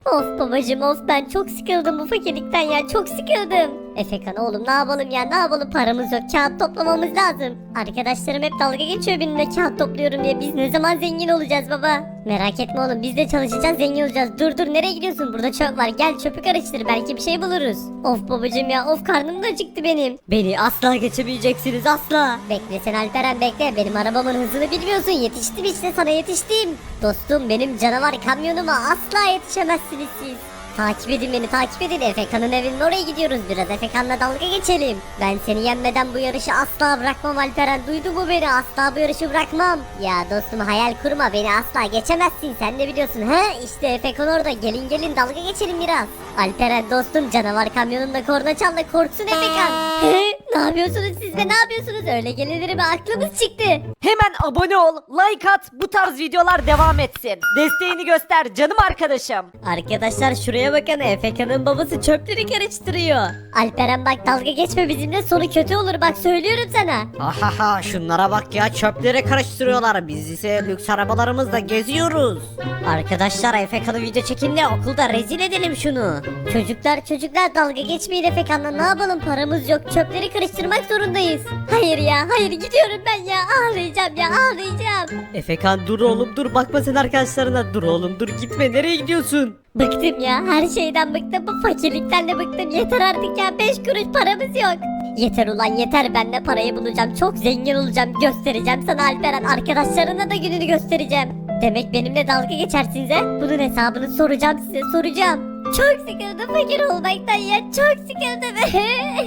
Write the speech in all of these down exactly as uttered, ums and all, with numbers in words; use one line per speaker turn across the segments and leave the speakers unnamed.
Of babacım of, ben çok sıkıldım bu fakirlikten ya, çok sıkıldım. Efekan oğlum, ne yapalım ya, ne yapalım, paramız yok, kağıt toplamamız lazım. Arkadaşlarım hep dalga geçiyor benimle kağıt topluyorum diye. Biz ne zaman zengin olacağız baba? Merak etme oğlum, biz de çalışacağız, zengin olacağız. Dur dur, nereye gidiyorsun? Burada çöp var, gel çöpü karıştır, belki bir şey buluruz. Of babacım ya of, karnım da acıktı benim. Beni asla geçemeyeceksiniz, asla. Bekle sen Alperen, bekle, benim arabamın hızını bilmiyorsun. Yetiştim işte, sana yetiştim. Dostum, benim canavar kamyonuma asla yetişemezsiniz siz. Takip edin beni, takip edin. Efekan'ın evinin oraya gidiyoruz. Biraz Efekan'la dalga geçelim. Ben seni yenmeden bu yarışı asla bırakmam Alperen. Duydu mu beni? Asla bu yarışı bırakmam. Ya dostum, hayal kurma, beni asla geçemezsin. Sen de biliyorsun. He işte Efekan orada. Gelin gelin, dalga geçelim biraz. Alperen dostum, canavar kamyonunda korna çal da korksun Efekan. He, ne yapıyorsunuz siz de, ne yapıyorsunuz? Öyle gelinir mi? Aklımız çıktı.
Hemen abone ol, like at, bu tarz videolar devam etsin. Desteğini göster canım arkadaşım.
Arkadaşlar şuraya bakın, Efekan'ın babası çöpleri karıştırıyor. Alperen bak, dalga geçme bizimle, sonu kötü olur, bak söylüyorum sana.
Ahaha, şunlara bak ya, çöpleri karıştırıyorlar. Biz ise lüks arabalarımızla geziyoruz.
Arkadaşlar Efekan'ı video çekin de okulda rezil edelim şunu. Çocuklar çocuklar, dalga geçmeyin Efekan'la, ne yapalım, paramız yok, çöpleri karıştırmak zorundayız. Hayır ya hayır, gidiyorum ben ya, ağlayacağım ya, ağlayacağım.
Efekan dur oğlum dur, bakma sen arkadaşlarına. Dur oğlum dur, gitme, nereye gidiyorsun?
Bıktım ya, her şeyden bıktım, bu fakirlikten de bıktım, yeter artık ya, beş kuruş paramız yok. Yeter ulan yeter, ben de parayı bulacağım, çok zengin olacağım, göstereceğim sana Alperen, arkadaşlarına da gününü göstereceğim. Demek benimle dalga geçersiniz he? Bunun hesabını soracağım size, soracağım. Çok sıkıldım fakir olmaktan ya, çok sıkıldım.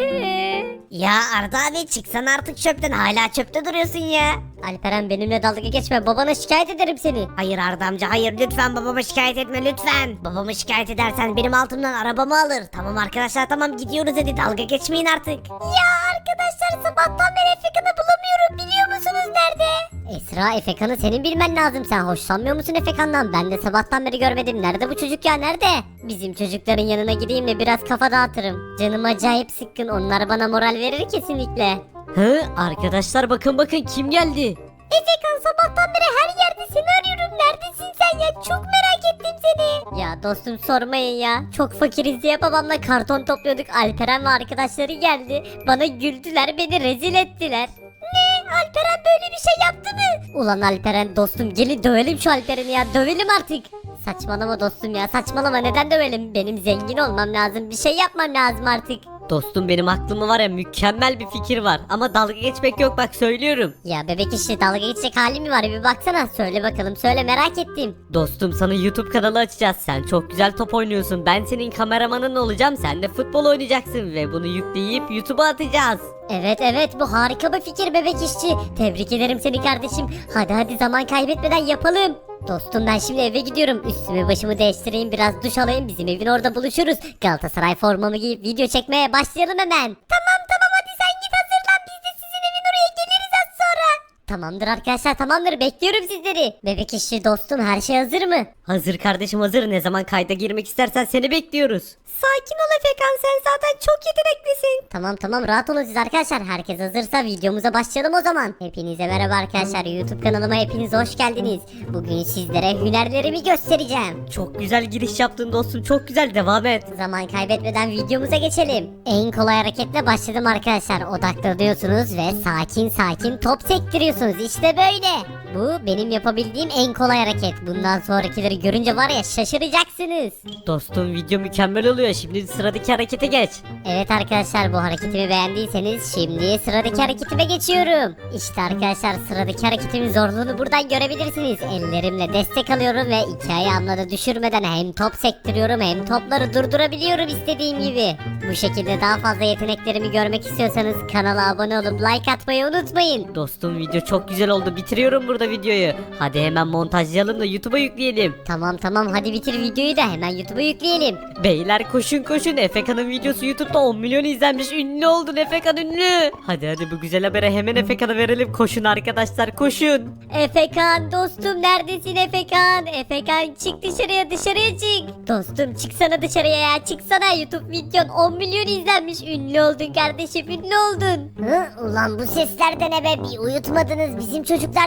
Ya Arda abi, çıksana artık çöpten, hala çöpte duruyorsun ya.
Alperen benimle dalga geçme, babana şikayet ederim seni.
Hayır Arda amca, hayır, lütfen babama şikayet etme lütfen. Babamı şikayet edersen benim altımdan arabamı alır. Tamam arkadaşlar, tamam, gidiyoruz, hadi dalga geçmeyin artık.
Ya arkadaşlar, sabahtan beri Efekan'ı bulamıyorum, biliyor musunuz nerede? Esra, Efekan'ı senin bilmen lazım, sen hoşlanmıyor musun Efekan'dan? Ben de sabahtan beri görmedim, nerede bu çocuk ya, nerede? Bizim çocukların yanına gideyim de biraz kafa dağıtırım. Canım acayip sıkkın, onlar bana moral verir kesinlikle.
Hı, arkadaşlar bakın bakın kim geldi?
Efekan, sabahtan beri her yerde seni arıyorum, neredesin sen ya, çok merak ettim seni. Ya dostum sormayın ya, çok fakiriz diye babamla karton topluyorduk, Alperen ve arkadaşları geldi, bana güldüler, beni rezil ettiler. Ne? Alperen böyle bir şey yaptı mı? Ulan Alperen dostum, gelin dövelim şu Alperen'i ya, dövelim artık. Saçmalama dostum ya, saçmalama, neden dövelim? Benim zengin olmam lazım, bir şey yapmam lazım artık.
Dostum benim aklımda var ya, mükemmel bir fikir var. Ama dalga geçmek yok, bak söylüyorum.
Ya bebek işte, dalga geçecek hali mi var, bir baksana, söyle bakalım, söyle, merak ettim.
Dostum sana YouTube kanalı açacağız. Sen çok güzel top oynuyorsun. Ben senin kameramanın olacağım. Sen de futbol oynayacaksın ve bunu yükleyip YouTube'a atacağız.
Evet evet, bu harika bir fikir bebek işçi. Tebrik ederim seni kardeşim. Hadi hadi, zaman kaybetmeden yapalım. Dostum ben şimdi eve gidiyorum. Üstümü başımı değiştireyim, biraz duş alayım, bizim evin orada buluşuruz. Galatasaray formamı giyip video çekmeye başlayalım hemen. Tamam tamam, hadi sen git hazırlan, biz de sizin evin oraya geliriz az sonra. Tamamdır arkadaşlar, tamamdır, bekliyorum sizleri. Bebek işçi dostum, her şey hazır mı?
Hazır kardeşim, hazır. Ne zaman kayda girmek istersen seni bekliyoruz.
Sakin ol Efekan, sen zaten çok yeteneklisin. Tamam tamam, rahat olun siz arkadaşlar. Herkes hazırsa videomuza başlayalım o zaman. Hepinize merhaba arkadaşlar, YouTube kanalıma hepiniz hoş geldiniz. Bugün sizlere hünerlerimi göstereceğim.
Çok güzel giriş yaptın dostum, çok güzel, devam et.
Zaman kaybetmeden videomuza geçelim. En kolay hareketle başladım arkadaşlar. Odaklanıyorsunuz ve sakin sakin top sektiriyorsunuz. İşte böyle. Bu benim yapabildiğim en kolay hareket. Bundan sonrakileri görünce var ya, şaşıracaksınız.
Dostum video mükemmel oluyor. Şimdi sıradaki harekete geç.
Evet arkadaşlar, bu hareketimi beğendiyseniz şimdi sıradaki hareketime geçiyorum. İşte arkadaşlar, sıradaki hareketimin zorluğunu buradan görebilirsiniz. Ellerimle destek alıyorum ve iki ayağımla da düşürmeden hem top sektiriyorum hem topları durdurabiliyorum istediğim gibi. Bu şekilde daha fazla yeteneklerimi görmek istiyorsanız kanala abone olup like atmayı unutmayın.
Dostum video çok güzel oldu. Bitiriyorum burada videoyu. Hadi hemen montajlayalım da YouTube'a yükleyelim.
Tamam tamam, hadi bitir videoyu da hemen YouTube'a yükleyelim.
Beyler koşun koşun. Efekan'ın videosu YouTube'da on milyon izlenmiş. Ünlü oldun Efekan, ünlü. Hadi hadi, bu güzel habere hemen Efekan'a verelim. Koşun arkadaşlar, koşun.
Efekan dostum, neredesin Efekan? Efekan çık dışarıya, dışarıya çık. Dostum çıksana dışarıya ya, çıksana, YouTube videon on milyon izlenmiş. Ünlü oldun kardeşim, ünlü oldun. Hı, ulan bu sesler de ne be, bir uyutmadınız, bizim çocuklar değil mi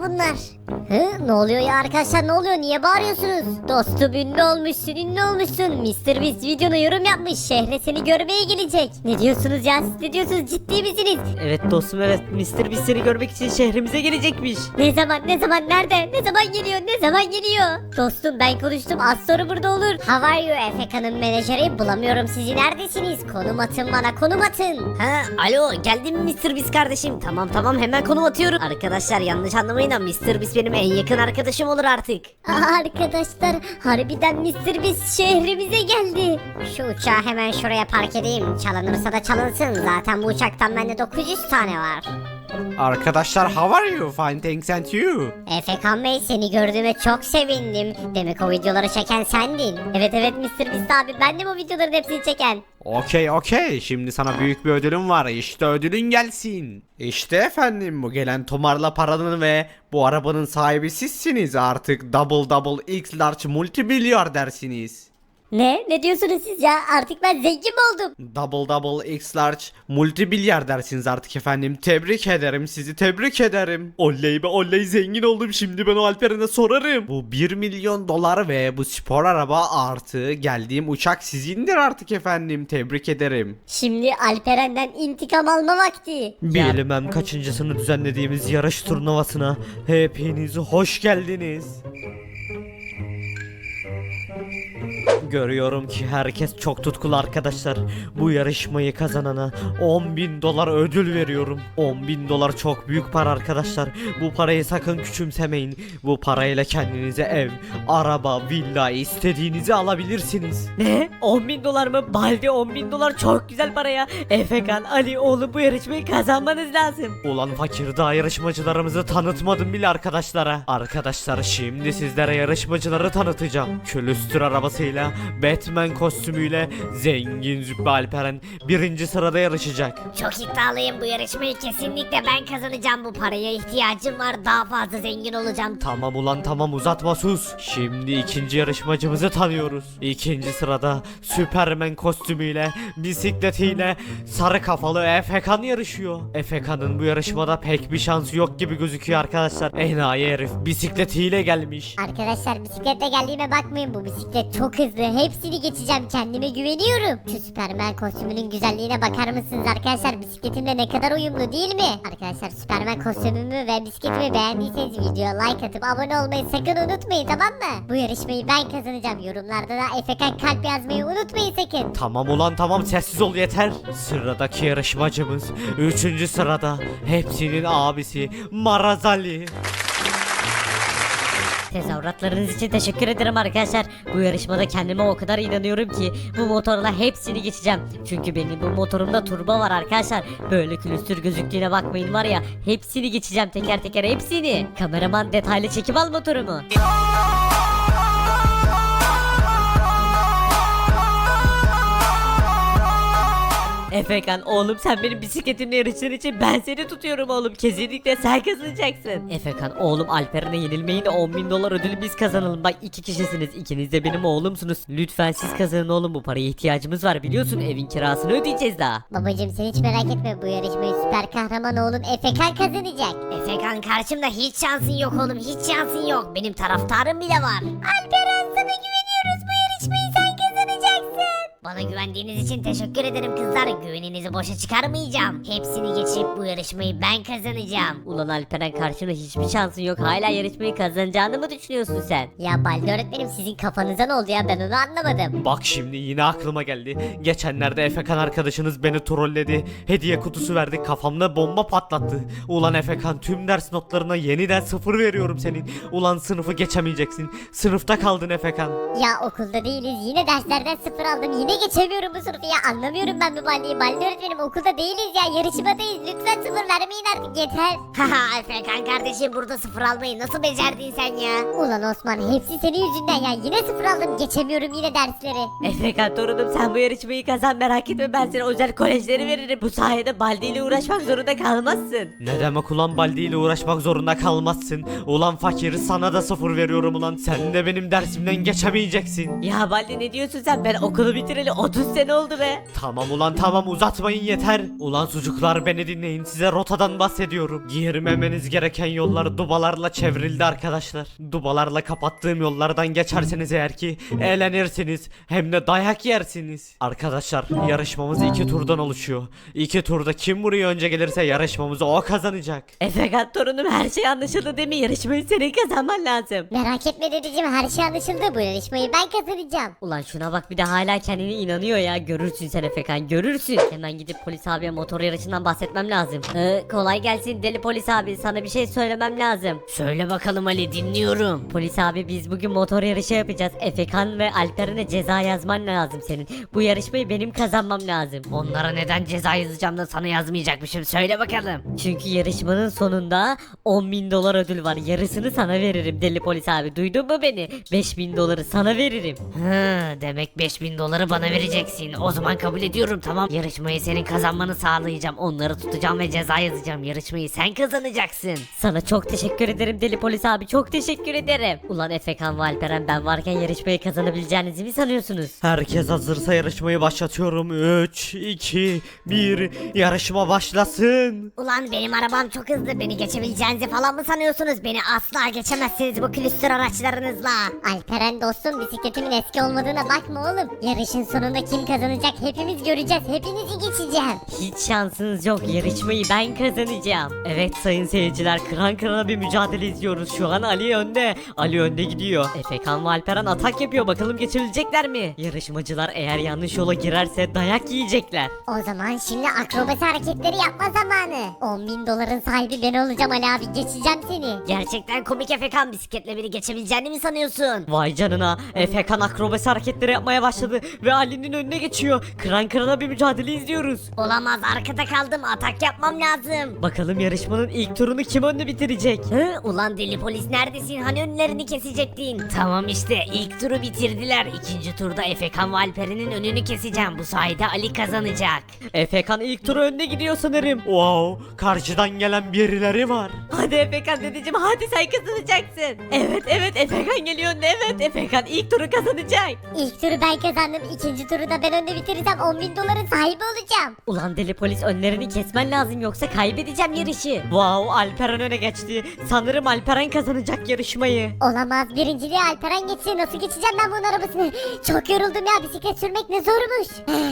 bunlar? Hı? Ne oluyor ya arkadaşlar, ne oluyor, niye bağırıyorsunuz? Dostum ünlü olmuşsun ünlü olmuşsun. mister Beast videona yorum yapmış, şehre seni görmeye gelecek. Ne diyorsunuz ya, siz ne diyorsunuz, ciddi misiniz?
Evet dostum evet mister Beast seni görmek için şehrimize gelecekmiş.
Ne zaman ne zaman nerede ne zaman geliyor ne zaman geliyor? Dostum ben konuştum, az sonra burada olur. How are you Efeka'nın menajeri, bulamıyorum sizi, neredesiniz? Konum atın bana, konum atın.
Ha, alo geldin mi mister Beast kardeşim? Tamam tamam hemen konum atıyorum. Arkadaşlar yanlış anlamayın ama mister Beast benim en yakın arkadaşım olur artık.
Aa, arkadaşlar harbiden mister Beast şehrimize geldi. Şu uçağı hemen şuraya park edeyim. Çalınırsa da çalınsın. Zaten bu uçaktan bende dokuz yüz tane var.
Arkadaşlar how are you? Fine thanks and you.
Efekan Bey, seni gördüğüme çok sevindim. Demek o videoları çeken sendin. Evet evet mister Beast abi, ben de bu videoların hepsini çeken.
Okey okey, şimdi sana büyük bir ödülüm var, işte ödülün gelsin. İşte efendim bu gelen tomarla paranın ve bu arabanın sahibi sizsiniz, artık double double x large multimilyardersiniz.
Ne? Ne diyorsunuz siz ya? Artık ben zengin mi oldum?
Double double x large multimilyardersiniz artık efendim, tebrik ederim, sizi tebrik ederim. Oley be oley, zengin oldum, şimdi ben o Alperen'e sorarım. Bu bir milyon dolar ve bu spor araba artı geldiğim uçak sizindir artık efendim, tebrik ederim.
Şimdi Alperen'den intikam alma vakti.
Bilmem kaçıncısını düzenlediğimiz yarış turnuvasına hepiniz hoş geldiniz. Görüyorum ki herkes çok tutkulu arkadaşlar. Bu yarışmayı kazanana on bin dolar ödül veriyorum. on bin dolar çok büyük para arkadaşlar. Bu parayı sakın küçümsemeyin. Bu parayla kendinize ev, araba, villa istediğinizi alabilirsiniz. Ne? on bin dolar mı? Baldi on bin dolar çok güzel para ya. Efekan, Ali oğlum bu yarışmayı kazanmanız lazım.
Ulan fakir, daha yarışmacılarımızı tanıtmadım bile arkadaşlara. Arkadaşlar şimdi sizlere yarışmacıları tanıtacağım. Külüstür arabasıyla, Batman kostümüyle zengin Züppe Alperen birinci sırada yarışacak.
Çok iddialıyım, bu yarışmayı kesinlikle ben kazanacağım. Bu paraya ihtiyacım var, daha fazla zengin olacağım.
Tamam ulan tamam, uzatma sus. Şimdi ikinci yarışmacımızı tanıyoruz. İkinci sırada Süpermen kostümüyle, bisikletiyle sarı kafalı Efekan yarışıyor. Efekan'ın bu yarışmada pek bir şansı yok gibi gözüküyor arkadaşlar. Enayi herif bisikletiyle gelmiş.
Arkadaşlar bisikletle geldiğime bakmayın, bu bisiklet çok hızlı, hepsini geçeceğim, kendime güveniyorum. Şu Süpermen kostümünün güzelliğine bakar mısınız arkadaşlar, bisikletimle ne kadar uyumlu değil mi? Arkadaşlar Süpermen kostümümü ve bisikletimi beğendiyseniz videoya like atıp abone olmayı sakın unutmayın, tamam mı? Bu yarışmayı ben kazanacağım, yorumlarda da Efekan kalp yazmayı unutmayın sakın.
Tamam ulan tamam, sessiz ol yeter. Sıradaki yarışmacımız üçüncü sırada, hepsinin abisi Marazali.
Tezahüratlarınız için teşekkür ederim arkadaşlar. Bu yarışmada kendime o kadar inanıyorum ki bu motorla hepsini geçeceğim. Çünkü benim bu motorumda turbo var arkadaşlar. Böyle külüstür gözüktüğüne bakmayın, var ya hepsini geçeceğim, teker teker hepsini. Kameraman detaylı çekim al motorumu. Efekan oğlum, sen benim bisikletimle yarıştığın için ben seni tutuyorum oğlum. Kesinlikle sen kazanacaksın. Efekan oğlum, Alperen'e yenilmeyin de on bin dolar ödülü biz kazanalım. Bak iki kişisiniz, ikiniz de benim oğlumsunuz. Lütfen siz kazanın oğlum, bu paraya ihtiyacımız var, biliyorsun evin kirasını ödeyeceğiz daha.
Babacım sen hiç merak etme, bu yarışmayı süper kahraman oğlum Efekan kazanacak.
Efekan karşımda hiç şansın yok oğlum, hiç şansın yok. Benim taraftarım bile var. Alperen, sana güveniyoruz, bu yarışmayı sen kazanacaksın. Bana güvendiğiniz için teşekkür ederim kızlar. Güveninizi boşa çıkarmayacağım. Hepsini geçip bu yarışmayı ben kazanacağım.
Ulan Alperen, karşında hiçbir şansın yok, hala yarışmayı kazanacağını mı düşünüyorsun sen?
Ya Baldi öğretmenim, sizin kafanıza ne oldu ya, ben onu anlamadım.
Bak şimdi yine aklıma geldi. Geçenlerde Efekan arkadaşınız beni trolledi. Hediye kutusu verdi, kafamda bomba patlattı. Ulan Efekan, tüm ders notlarına yeniden sıfır veriyorum senin. Ulan sınıfı geçemeyeceksin. Sınıfta kaldın Efekan.
Ya okulda değiliz, yine derslerden sıfır aldım, yine geçemiyorum bu sınıfı ya, anlamıyorum ben bu Baldi'yi. Baldi öğretmenim, okulda değiliz ya, yarışmadayız, lütfen sıfır vermeyin artık, yeter.
Haha Efekan kardeşim, burada sıfır almayı nasıl becerdin sen ya?
Ulan Osman, hepsi senin yüzünden ya, yine sıfır aldım, geçemiyorum yine dersleri.
Efekan torunum, sen bu yarışmayı kazan, merak etme, ben sana özel kolejleri veririm. Bu sayede Baldi ile uğraşmak zorunda kalmazsın.
Ne demek ulan, Baldi ile uğraşmak zorunda kalmazsın. Ulan fakir, sana da sıfır veriyorum ulan. Sen de benim dersimden geçemeyeceksin.
Ya Baldi, ne diyorsun sen? Ben okulu bitireli
Ali otuz sene oldu be.
Tamam ulan tamam uzatmayın yeter. Ulan sucuklar beni dinleyin size rotadan bahsediyorum. Girmemeniz gereken yollar dubalarla çevrildi arkadaşlar. Dubalarla kapattığım yollardan geçerseniz eğer ki eğlenirsiniz hem de dayak yersiniz. Arkadaşlar yarışmamız iki turdan oluşuyor. İki turda kim buraya önce gelirse yarışmamızı o kazanacak.
Efekan torunum her şey anlaşıldı değil mi? Yarışmayı senin kazanman lazım.
Merak etme dedeciğim, her şey anlaşıldı. Bu yarışmayı ben kazanacağım.
Ulan şuna bak bir de hala kendine inanıyor ya. Görürsün sen Efekan, görürsün. Hemen gidip polis abiye motor yarışından bahsetmem lazım. Ee, kolay gelsin deli polis abi, sana bir şey söylemem lazım.
Söyle bakalım Ali, dinliyorum.
Polis abi biz bugün motor yarışı yapacağız. Efekan ve Alperen'e ceza yazman lazım senin. Bu yarışmayı benim kazanmam lazım.
Onlara neden ceza yazacağım da sana yazmayacakmışım, söyle bakalım.
Çünkü yarışmanın sonunda on bin dolar ödül var. Yarısını sana veririm deli polis abi. Duydun mu beni? beş bin doları sana veririm.
Hı, demek beş bin doları bana vereceksin. O zaman kabul ediyorum, tamam. Yarışmayı senin kazanmanı sağlayacağım. Onları tutacağım ve ceza yazacağım. Yarışmayı sen kazanacaksın.
Sana çok teşekkür ederim deli polis abi. Çok teşekkür ederim. Ulan Efekan ve Alperen, ben varken yarışmayı kazanabileceğinizi mi sanıyorsunuz?
Herkes hazırsa yarışmayı başlatıyorum. üç, iki, bir yarışma başlasın.
Ulan benim arabam çok hızlı. Beni geçebileceğinizi falan mı sanıyorsunuz? Beni asla geçemezsiniz bu külüstür araçlarınızla.
Alperen dostum, bisikletimin eski olmadığına bakma oğlum. Yarışın sonunda kim kazanacak hepimiz göreceğiz. Hepinizi geçeceğim.
Hiç şansınız yok. Yarışmayı ben kazanacağım. Evet sayın seyirciler, kıran kırana bir mücadele izliyoruz. Şu an Ali önde. Ali önde gidiyor. Efekan ve Alperen atak yapıyor. Bakalım geçebilecekler mi? Yarışmacılar eğer yanlış yola girerse dayak yiyecekler.
O zaman şimdi akrobasi hareketleri yapma zamanı. on bin doların sahibi ben olacağım Ali abi, geçeceğim seni.
Gerçekten komik Efekan, bisikletle beni geçebileceğini mi sanıyorsun?
Vay canına, Efekan akrobasi hareketleri yapmaya başladı ve Ali'nin önüne geçiyor. Kıran kırana bir mücadele izliyoruz.
Olamaz, arkada kaldım, atak yapmam lazım.
Bakalım yarışmanın ilk turunu kim önde bitirecek?
Hı, ulan deli polis neredesin? Hani önlerini kesecektin? Tamam işte, ilk turu bitirdiler. İkinci turda Efekan ve Alperen'in önünü keseceğim. Bu sayede Ali kazanacak.
Efekan ilk turu önde gidiyor sanırım.
Wow, karşıdan gelen birileri var.
Hadi Efekan dedeciğim, hadi sen kazanacaksın. Evet evet Efekan geliyor önde, evet Efekan ilk turu kazanacak.
İlk turu ben kazandım. İkinci turu da ben önde bitirirsem on bin doların sahibi olacağım.
Ulan deli polis, önlerini kesmen lazım yoksa kaybedeceğim yarışı. Wow, Alperen öne geçti. Sanırım Alperen kazanacak yarışmayı.
Olamaz, birinciliği Alperen geçti. Nasıl geçeceğim ben bunun arabasını? Çok yoruldum ya, bisiklet sürmek ne zormuş.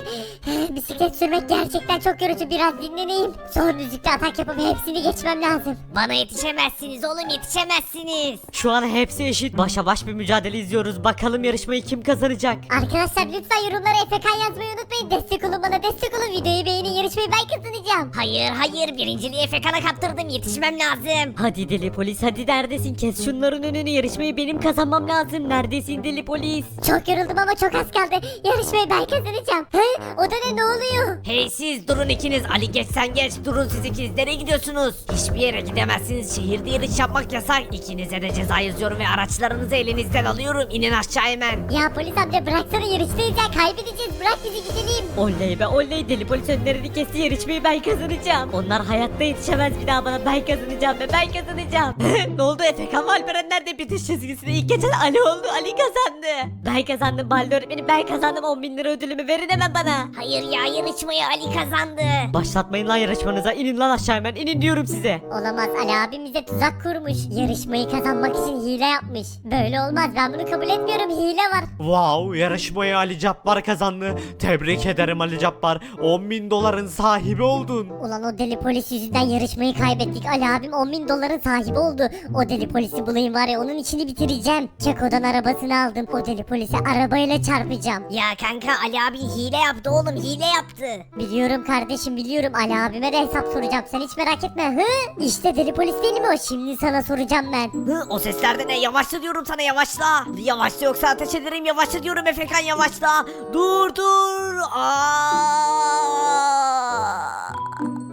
Bisiklet sürmek gerçekten çok yorucu, biraz dinleneyim. Son düzlükte atak yapıp hepsini geçmem lazım.
Bana yetişemezsiniz oğlum, yetişemezsiniz.
Şu an hepsi eşit, başa baş bir mücadele izliyoruz. Bakalım yarışmayı kim kazanacak?
Arkadaşlar lütfen yorumlara Efekan yazmayı unutmayın. Destek olun bana, destek olun. Videoyu beğenin, yarışmayı ben kazanacağım.
Hayır hayır, birinciliği Efekan'a kaptırdım, yetişmem lazım.
Hadi deli polis, hadi neredesin? Kes şunların önünü, yarışmayı benim kazanmam lazım. Neredesin deli polis?
Çok yoruldum ama çok az kaldı. Yarışmayı ben kazanacağım. He? O da ne, ne oluyor?
Hey siz durun ikiniz, Ali geç sen geç, durun siz ikiniz, nereye gidiyorsunuz? Hiçbir yere gidemezsiniz, şehirde yarış yapmak yasak. İkinize de ceza yazıyorum ve araçlarınızı elinizden alıyorum, inin aşağı hemen.
Ya polis amca bıraksana, yarıştayız ya, kaybedeceğiz. Bırak bizi gidelim.
Oley be oley, deli polis önlerini kesti, yarışmayı ben kazanacağım. Onlar hayatta yetişemez bir daha bana, ben kazanacağım ve ben kazanacağım. Ne oldu, Efekan ve Alperen nerede? Bitiş çizgisinde ilk geçen Ali oldu, Ali kazandı. Ben kazandım Balde öğretmenim, ben kazandım. on bin lira ödülümü verin hemen bana.
Hayır ya, yarışmayı Ali kazandı.
Başlatmayın lan yarışmanıza, inin lan aşağı hemen, inin diyorum size.
Olamaz, Ali abim bize tuzak kurmuş. Yarışmayı kazanmak için hile yapmış. Böyle olmaz, ben bunu kabul etmiyorum, hile var.
Wow, yarışmayı Ali Cabbar kazandı. Tebrik ederim Ali Cabbar. on bin doların sahibi oldun.
Ulan o deli polis yüzünden yarışmayı kaybettik. Ali abim on bin doların sahibi oldu. O deli polisi bulayım var ya, onun içini bitireceğim. Keko'dan arabasını aldım. O deli polisi arabayla çarpacağım.
Ya kanka, Ali abi hile yaptı oğlum, hile yaptı.
Biliyorum kardeşim, biliyorum. Ali abime de hesap soracağım. Sen hiç merak etme. Hı? İşte deli polis değil mi o? Şimdi sana soracağım ben.
Hı, o sesler de ne? Yavaşla diyorum sana, yavaşla. Yavaşla yoksa ateş ederim, yavaşla diyorum Efekan, yavaşla. Dur dur. Aa!